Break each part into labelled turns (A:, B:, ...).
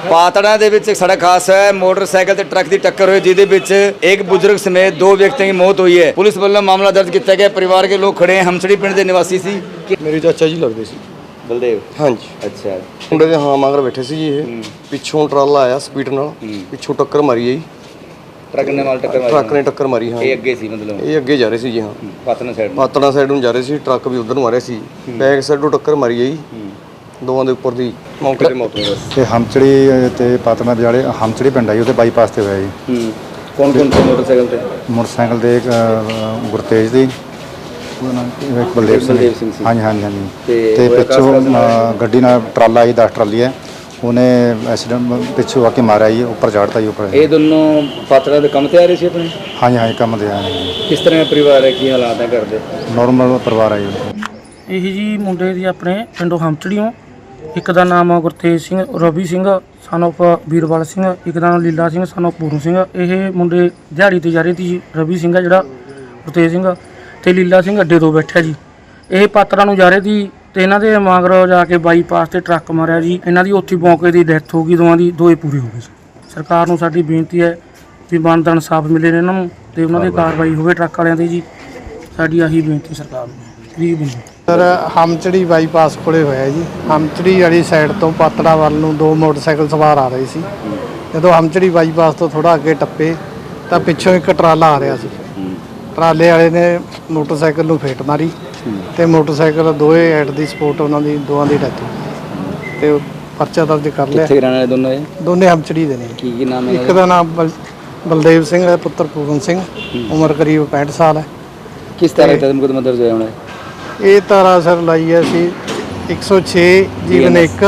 A: पातड़ा दे विच एक सड़क हादसा है, मोटरसाइकिल ते ट्रक की टक्कर हुई जिहदे विच एक बुजुर्ग समेत 2 व्यक्तियों की मौत हुई है। पुलिस वालों मामला दर्ज किया गया। परिवार के लोग खड़े हैं। हमसड़ी पिंड के निवासी सी।
B: मेरे चाचा जी लगते सी।
A: बलदेव
B: हाँ जी।
A: अच्छा
B: मुंडे दे हाँ मगर बैठे सी जी। ये पिछों ट्राला आया स्पीड नाल, पिछों टक्कर मारी है जी।
A: ट्रक ने माल टक्कर मारी।
B: ट्रक ने टक्कर मारी। हाँ
A: ये अगे सी मतलब
B: ये अगे जा रहे सी जी। हाँ पातड़ा साइड ਨੂੰ ਜਾ ਰਹੇ ਸੀ, ट्रक भी उधर ਨੂੰ आ रहे सी। बैक साइड ਤੋਂ टक्कर मारी है जी। ਦੋਵਾਂ ਦੇ ਉੱਪਰ ਦੀ ਮੌਕੇ ਤੇ ਮੌਤ ਹੋਈ ਬਸ।
C: ਤੇ ਹਮਚੜੀ ਤੇ ਪਾਤਨਾ ਵਿਚਾਲੇ ਹਮਚੜੀ ਪਿੰਡ ਆਈ ਉਹਦੇ ਬਾਈਪਾਸ ਤੇ ਹੋਇਆ ਜੀ।
A: ਕੌਣ ਕੌਣ ਸੀ ਮੋਟਰਸਾਈਕਲ ਤੇ?
C: ਮੋਟਰਸਾਈਕਲ ਤੇ ਇੱਕ ਗੁਰਤੇਜ ਦੀ, ਉਹਦਾ ਨਾਮ ਕੀ, ਇੱਕ ਬਲਦੇਵ ਸਿੰਘ ਸੀ। ਹਾਂਜੀ ਹਾਂਜੀ ਹਾਂਜੀ। ਤੇ ਪਿੱਛੋਂ ਗੱਡੀ ਨਾਲ ਟਰਾਲਾ ਆਈ 10 ਟਰਾਲੀ ਹੈ, ਉਹਨੇ ਐਕਸੀਡੈਂਟ ਪਿੱਛੋਂ ਆ ਕੇ ਮਾਰਿਆ ਜੀ, ਉੱਪਰ ਚੜ੍ਹਤਾ ਜੀ ਉੱਪਰ।
A: ਇਹ ਦੋਨੋਂ ਪਾਤੜਾ ਦੇ ਕੰਮ ਤੇ ਆ ਰਹੇ ਸੀ ਆਪਣੇ?
C: ਹਾਂਜੀ ਹਾਂਜੀ ਕੰਮ ਤੇ ਆਏ ਜੀ।
A: ਕਿਸ ਤਰ੍ਹਾਂ ਦਾ ਪਰਿਵਾਰ ਹੈ, ਕੀ ਹਾਲਾਤ ਹੈ ਘਰ ਦੇ?
C: ਨੋਰਮਲ ਪਰਿਵਾਰ ਹੈ ਜੀ।
D: ਇਹੀ ਜੀ ਮੁੰਡੇ ਦੀ ਆਪਣੇ ਪਿੰਡੋਂ ਹਮਚੜੀਓਂ, ਇੱਕ ਦਾ ਨਾਮ ਗੁਰਤੇਜ ਸਿੰਘ ਰਵੀ ਸਿੰਘ ਸਨ ਆਫ ਵੀਰਵਾਲ ਸਿੰਘ, ਇੱਕ ਦਾ ਨਾਮ ਲੀਲਾ ਸਿੰਘ ਸਨ ਆਫ ਪੂਰਨ ਸਿੰਘ। ਇਹ ਮੁੰਡੇ ਦਿਹਾੜੀ ਤੇ ਜਾ ਰਹੇ ਸੀ। ਰਵੀ ਸਿੰਘ ਆ ਜਿਹੜਾ, ਗੁਰਤੇਜ ਸਿੰਘ ਤੇ ਲੀਲਾ ਸਿੰਘ ਅੱਡੇ ਤੋਂ ਬੈਠਿਆ ਜੀ। ਇਹ ਪਾਤੜਾ ਨੂੰ ਜਾ ਰਹੇ ਸੀ ਤੇ ਇਹਨਾਂ ਦੇ ਮਗਰ ਜਾ ਕੇ ਬਾਈਪਾਸ ਤੇ ਟਰੱਕ ਮਾਰਿਆ ਜੀ। ਇਹਨਾਂ ਦੀ ਉੱਥੇ ਮੌਕੇ ਦੀ ਡੈਥ ਹੋ ਗਈ, ਦੋਏ ਪੂਰੇ ਹੋ ਗਏ ਸੀ। ਸਰਕਾਰ ਨੂੰ ਸਾਡੀ ਬੇਨਤੀ ਹੈ ਵੀ ਬਣਦਾ ਇਨਸਾਫ ਮਿਲੇ ਇਹਨਾਂ ਨੂੰ ਤੇ ਉਹਨਾਂ ਦੀ ਕਾਰਵਾਈ ਹੋਵੇ ਟਰੱਕ ਵਾਲਿਆਂ ਦੀ ਜੀ। ਸਾਡੀ ਆਹੀ ਬੇਨਤੀ ਸਰਕਾਰ ਨੂੰ।
E: ਸਰ ਹਮਚੜੀ ਬਾਈਪਾਸ ਕੋਲੇ ਹੋਇਆ ਜੀ। ਹਮਚੜੀ ਵਾਲੀ ਸਾਈਡ ਤੋਂ ਪਾਤੜਾ ਵੱਲ ਨੂੰ 2 ਮੋਟਰਸਾਈਕਲ ਸਵਾਰ ਆ ਰਹੇ ਸੀ। ਜਦੋਂ ਹਮਚੜੀ ਬਾਈਪਾਸ ਤੋਂ ਥੋੜਾ ਅੱਗੇ ਟੱਪੇ ਤਾਂ ਪਿੱਛੋਂ ਇੱਕ ਟਰਾਲਾ ਆ ਰਿਹਾ ਸੀ। ਟਰਾਲੇ ਵਾਲੇ ਨੇ ਮੋਟਰਸਾਈਕਲ ਨੂੰ ਫੇਟ ਮਾਰੀ ਤੇ ਮੋਟਰਸਾਈਕਲ ਦੋਏ ਐਟ ਦੀ ਸਪੋਰਟ ਉਹਨਾਂ ਦੀ ਦੋਵਾਂ ਦੀ ਡੈਥ ਹੋ ਗਈ ਤੇ ਪਰਚਾ ਦਰਜ ਕਰ ਲਿਆ।
A: ਕਿੱਥੇ ਰਹਿਣ ਵਾਲੇ ਦੋਨੋਂ ਇਹ?
E: ਦੋਨੇ ਹਮਚੜੀ ਦੇ ਨੇ।
A: ਕੀ ਨਾਮ ਹੈ?
E: ਇੱਕ ਦਾ ਨਾਮ ਬਲਦੇਵ ਸਿੰਘ ਹੈ, ਪੁੱਤਰ ਪੂਰਨ ਸਿੰਘ, ਉਮਰ ਕਰੀਬ 65 ਸਾਲ ਹੈ।
A: ਕਿਸ ਤਰ੍ਹਾਂ ਦਾ ਮੁਕੱਦਮਾ ਦਰਜ ਹੋਇਆ ਹੁਣ?
E: ਇਹ ਧਾਰਾ ਸਰ ਲਾਈ ਹੈ ਅਸੀਂ 106 ਜੀਵਨ 1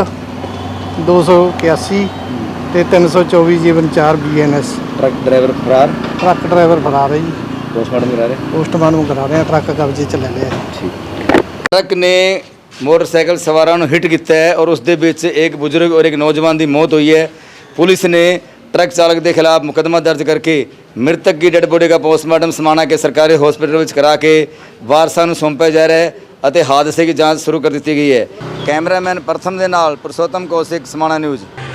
E: 281 ਤੇ 324 ਜੀਵਨ 4 BNS।
A: ਟਰੱਕ ਡਰਾਈਵਰ ਫਰਾਰ?
E: ਟਰੱਕ ਡਰਾਈਵਰ ਫਰਾਰ ਹੈ ਜੀ।
A: पोस्टमार्टम करा रहे?
E: पोस्टमार्टम करा रहे हैं। ट्रक कब्जे च ले लिया।
A: ट्रक ने मोटरसाइकिल सवारों को हिट किया है और उस दे विच एक बुजुर्ग और एक नौजवान की मौत हुई है। पुलिस ने ट्रक चालक के खिलाफ मुकदमा दर्ज करके मृतक की डेड बॉडी का पोस्टमार्टम समाना के सरकारी हॉस्पिटल में करा के वारसां नूं सौंपया जा रहा है और हादसे की जाँच शुरू कर दी गई है। कैमरामैन प्रथम दे नाल पुरुषोत्तम कौशिक, समाना न्यूज़।